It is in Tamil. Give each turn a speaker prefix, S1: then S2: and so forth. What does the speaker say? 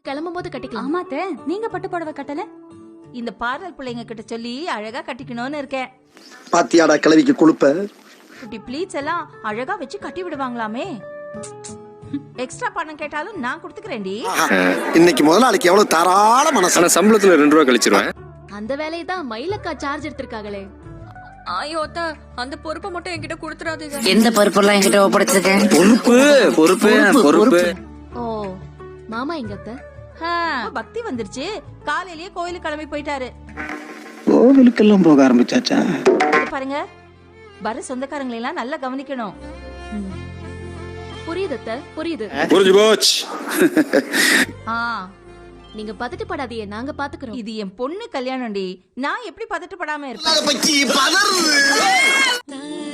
S1: கிளம்பும் போது கட்டிக்கலாம்.
S2: ஆமாத்த, நீங்க பட்டு புடவை கட்டல?
S3: இந்த பார்லர் பிள்ளைங்க கிட்ட சொல்லி அழகா கட்டிக்கணும்னு இருக்கேன்.
S4: பாத்தியாடா கிளவிக்கு கொழுப்ப.
S3: குட்டி ப்ளீட்ஸ் எல்லாம் அழகா வச்சு கட்டி விடுவாங்களாமே. எக்ஸ்ட்ரா பணம் கேட்டாலும் நான் கொடுத்துக்கிறேன்டி.
S4: இன்னைக்கு முதலாளிக்கு எவ்வளவு தாராள மனசு.
S5: ஆனா சம்பளத்துல 2 ரூபா கழிச்சிருவேன்.
S1: அந்த வேலையை தான் மயிலக்கா சார்ஜ் எடுத்திருக்காங்களே.
S2: ஐயோ அத்தா, அந்த பொறுப்பை மட்டும் என்கிட்ட கொடுத்துறாதீங்க.
S6: எந்த பொறுப்பெல்லாம் என்கிட்ட ஒப்படைச்சிருக்கேன்?
S5: பொறுப்பு.
S1: ஓ மாமா எங்க அத்தை?
S3: பக்தி வந்துருச்சு. காலையிலேயே கோயிலுக்கு கிளம்பி போயிட்டாரு.
S4: கோவிலுக்கெல்லாம் போக ஆரம்பிச்சாச்சா?
S3: இது பாருங்க, வர சொந்தக்காரங்களை எல்லாம் நல்லா கவனிக்கணும்.
S1: புரியுது அத்தை, புரியுது.
S5: புரிஞ்சு போச்சு.
S1: நீங்க பதட்டப்படாதீங்க, நாங்க பாத்துக்கிறோம்.
S3: இது என் பொண்ணு கல்யாணம்டி. நான் எப்படி பதட்டப்படாம இருப்பேன்?